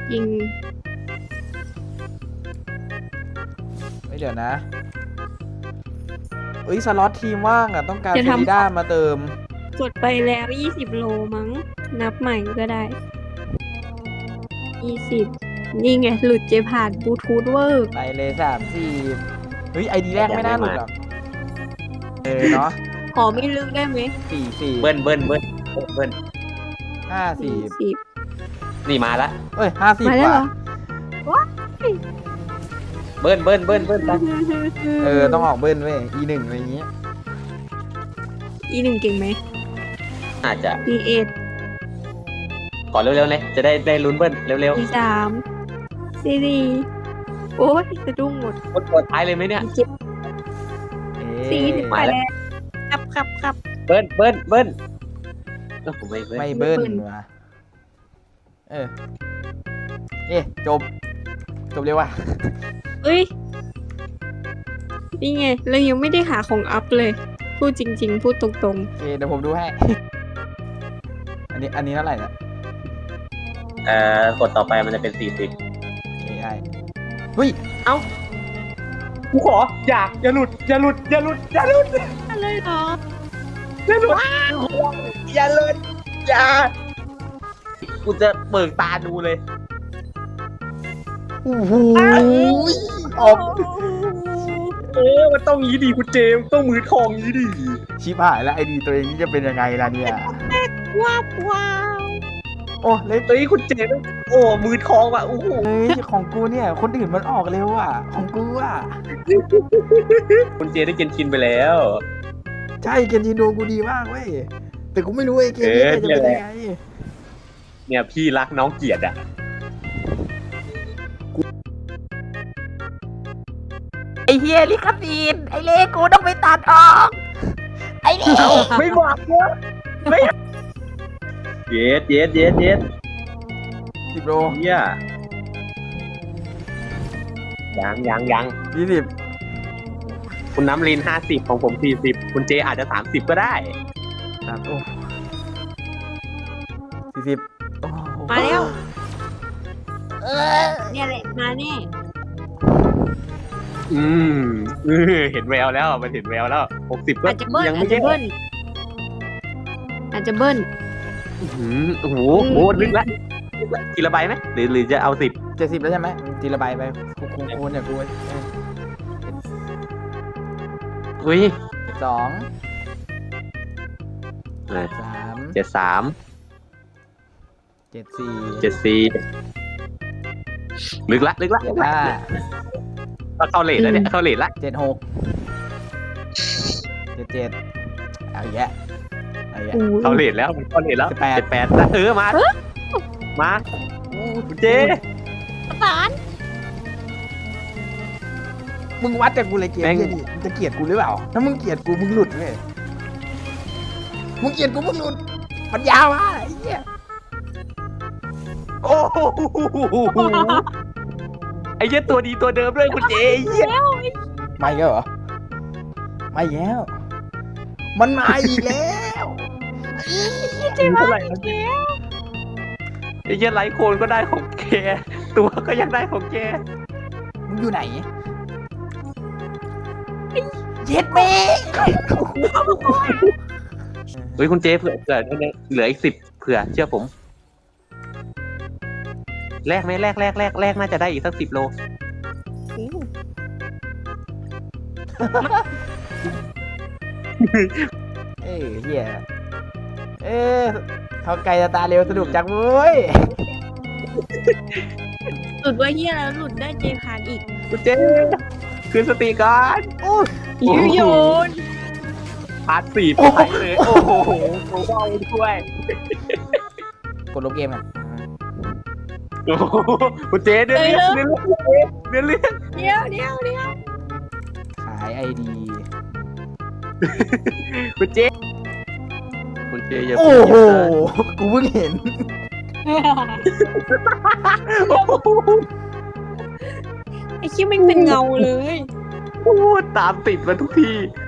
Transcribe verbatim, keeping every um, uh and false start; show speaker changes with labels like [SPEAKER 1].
[SPEAKER 1] ยิง
[SPEAKER 2] ไม่เดี๋ยวนะเอ้ยสล็อตทีมว่างอ่ะต้องการ
[SPEAKER 1] จะ
[SPEAKER 2] เฟ
[SPEAKER 1] ทำ
[SPEAKER 2] ริด้ามาเติม
[SPEAKER 1] กดไปแล้วยี่สิบโลมั้ง นับใหม่ก็ได้ยี่สิบนี่ไง หลุดเจผ่านบลูทูธเวอร์
[SPEAKER 2] ไปเลยสามสี่เฮ้ยไอดีแรกไม่น่าหลุดหรอกเออเนาะ
[SPEAKER 1] ขอไม่ลึกได้ไหม
[SPEAKER 2] สี่สี่
[SPEAKER 3] เบิ้ลเบิ้ลเบิ้ลเบิ้ล
[SPEAKER 2] ห้าสี่
[SPEAKER 1] สิบ
[SPEAKER 3] นี่มาละ
[SPEAKER 2] เอ้ยห้าสิบ
[SPEAKER 1] มาแล้ว
[SPEAKER 2] ว่ะ
[SPEAKER 1] เหรอ
[SPEAKER 3] เบิ้ลเบิ้ลเบิ้ลเบิ้ลไป
[SPEAKER 2] เออต้องออกเบิ้ลเว้ย อีหนึ่งอะไรอย่างงี้
[SPEAKER 1] อีหนึ่งเก่งไหม
[SPEAKER 3] อาจจะ
[SPEAKER 1] อีเอ็ด
[SPEAKER 3] ขอเร็วๆเลยจะได้ได้ลุ้นเบิ้ลเร็ว
[SPEAKER 1] อีสามซีสี่โอ้ยสะดุ้งหมด
[SPEAKER 3] ๆกดกดท้ายเลยไหมเนี่ย
[SPEAKER 1] อีเจ็ด
[SPEAKER 2] เอ๊
[SPEAKER 1] สี่สิบ
[SPEAKER 2] ะ
[SPEAKER 1] ไปแล้วครับครับครับ
[SPEAKER 3] เบิ้ลเบิ้ลเบิ้ลเอ้าผมไม่เบิ้ล
[SPEAKER 2] ไม่เบิ้ล
[SPEAKER 1] ไม่เบิ้ล
[SPEAKER 2] ว่ะเออเอ๊ะจบ จบเร็วว่ะ
[SPEAKER 1] เอ้ย นี่ไงเรายังไม่ได้หาของอัพเลย พูดจริง ๆ พูดตรง
[SPEAKER 2] โอเคเดี๋ยวผมดูให้ อันนี้อันนี้เท่าไหร่เนี่ย
[SPEAKER 3] เอ่อกดต่อไปมันจะเป็นสี่สิบ
[SPEAKER 2] เอไอเฮ้ย
[SPEAKER 3] เอ้ากูขออย่าอย่าหลุดอย่าหลุดอย่าหลุดอย่าหลุด
[SPEAKER 1] ๆอะไรเหรอ
[SPEAKER 3] อย่าหลุดอย่าหลุดอย่ากูจะเบิกตาดูเลย
[SPEAKER 2] โอ้โหออก
[SPEAKER 3] เออมันต้องงี้ดีคุณเจมส์ต้องมือทองงี้ดี
[SPEAKER 2] ชิบหายแล้วไอดีตัวเองนี่จะเป็นยังไงล่ะเนี่ย
[SPEAKER 1] ว้าวว้าว
[SPEAKER 2] โอ้เล็ก
[SPEAKER 3] เฮ้ยคุณเจมส์โอ้มือทองว่ะโอ้โห
[SPEAKER 2] เฮ้ยของกูเนี่ย คนอื่นมันออกเร็วอ่ะ ของกูอ่ะ
[SPEAKER 3] คุณเจได้เกนชินไปแล้ว
[SPEAKER 2] ใช่เกนจินโดกูดีมากเว้ย แต่กูไม่รู้ไอ้เกมนี้
[SPEAKER 3] เออ
[SPEAKER 2] จะเป็นยังไง
[SPEAKER 3] เนี่ยพี่รักน้องเกียรติอ่ะ
[SPEAKER 2] ไอเฮียลิขสิทธิ์ไอเล่กูต้องไปตัดออก ไอเล่
[SPEAKER 3] ไม่บอกเนอะไม่เย็ดเย็ดเย็ดเย็ด
[SPEAKER 2] สิบโล
[SPEAKER 3] เฮียยังยังยัง
[SPEAKER 2] ยี่สิบ
[SPEAKER 3] คุณน้ำลินห้าสิบของผมสี่สิบคุณเจอาจจะสามสิบก็ได้
[SPEAKER 2] สามโอ้สี่สิบโอ้โห
[SPEAKER 1] มาแล้วเนี่ยแหละมาแน่
[SPEAKER 3] อืมเออเห็นแววแล้วมันเห็นแววแล้วหกสิบก็
[SPEAKER 1] อาจจะเบิ้ล
[SPEAKER 3] ยัง
[SPEAKER 1] อา
[SPEAKER 3] ไม่
[SPEAKER 1] จ
[SPEAKER 3] ใช่
[SPEAKER 1] จะเบิ้ลอาจจะเบิ้ล
[SPEAKER 3] อื้อหือโอ้โหโอ้โหลึกละลึกละทีละใบไหมหรือหรือจะเอาสิบ
[SPEAKER 2] เจ็ดสิบแล้วใช่ไหมทีละใบไปคูคูคูณเนี่ยกูเออ
[SPEAKER 3] อุ้ย
[SPEAKER 2] สอง
[SPEAKER 3] เออ
[SPEAKER 2] สาม
[SPEAKER 3] เจ็ดสาม
[SPEAKER 2] เจ็ดสี่
[SPEAKER 3] เจ็ดสี่ลึกละลึกละลึกละ
[SPEAKER 2] ห้า
[SPEAKER 3] ก็เข้าเลทแล้วเนี่ยเข้าเลทละ
[SPEAKER 2] เจ็ดหกเจ็ดเจ็ดเอาอีกแยะเอาอีกแยะ
[SPEAKER 1] โอ้ย
[SPEAKER 3] เข้าเลทแล้วมันเข้าเลทแล้ว
[SPEAKER 2] สิบแปด
[SPEAKER 3] เจ็ดแปดเออมามาคุณเจ
[SPEAKER 1] ประสาน
[SPEAKER 2] มึงวัดจากกูเลยเกม
[SPEAKER 3] แม่ง
[SPEAKER 2] เหี้ยดิมึงจะเกลียดกูหรือเปล่า ถ้ามึงเกลียดกูมึงหลุดเว้ยมึงเกลียดกูมึงหลุดปัญญาวะไอ้เหี้ย
[SPEAKER 3] โอ้โหไอ้เหี้ยตัวดีตัวเดิมเลยคุณเจไอ้เหี้ย
[SPEAKER 2] มาอีกแล้วเหรอมาอีกแล้ว มันมาอีกแล้ว
[SPEAKER 1] ใช่ไหม
[SPEAKER 3] เท่าไหร่นะไอ้เหี้ยไลท์โคนก็ได้ของแกตัวก็ยังได้ของแก
[SPEAKER 2] มึงอยู่ไหนเย็ดเม
[SPEAKER 3] เฮ้ยคุณเจเผื่อเผื่อเหลืออีกสิบเผื่อเชื่อผมแลกไหมแลกแลกแลกแลกน่าจะได้อีกสักสิบโล
[SPEAKER 2] เอ้ยเหี้ยเอ้ยเขาไกลจะตาเร็วสนุกจังเว้ย
[SPEAKER 1] หลุดว่าเฮียแล้วหลุดได้เจพานอีก
[SPEAKER 3] คุณเจคืนสติก่อน
[SPEAKER 2] อู้
[SPEAKER 1] ยูโยน
[SPEAKER 3] พาร์ทสี่ไปเลยโอ้โหโอ้ยด้วย
[SPEAKER 2] กดลบเกมอ่ะ
[SPEAKER 3] โอ้โหคุณเจเดือนเรื่องเดือนเรื่องเรื่อง
[SPEAKER 1] เดี๋ยวเดี๋ยวเดี๋ยว
[SPEAKER 2] ขายไอดี
[SPEAKER 3] คุณเจคุณเจอย่า
[SPEAKER 2] โอ้โห กูเพิ่งเห็น
[SPEAKER 1] ไอ้คิดมันเป็นเงาเลย
[SPEAKER 3] พูดตามติดมาทุกที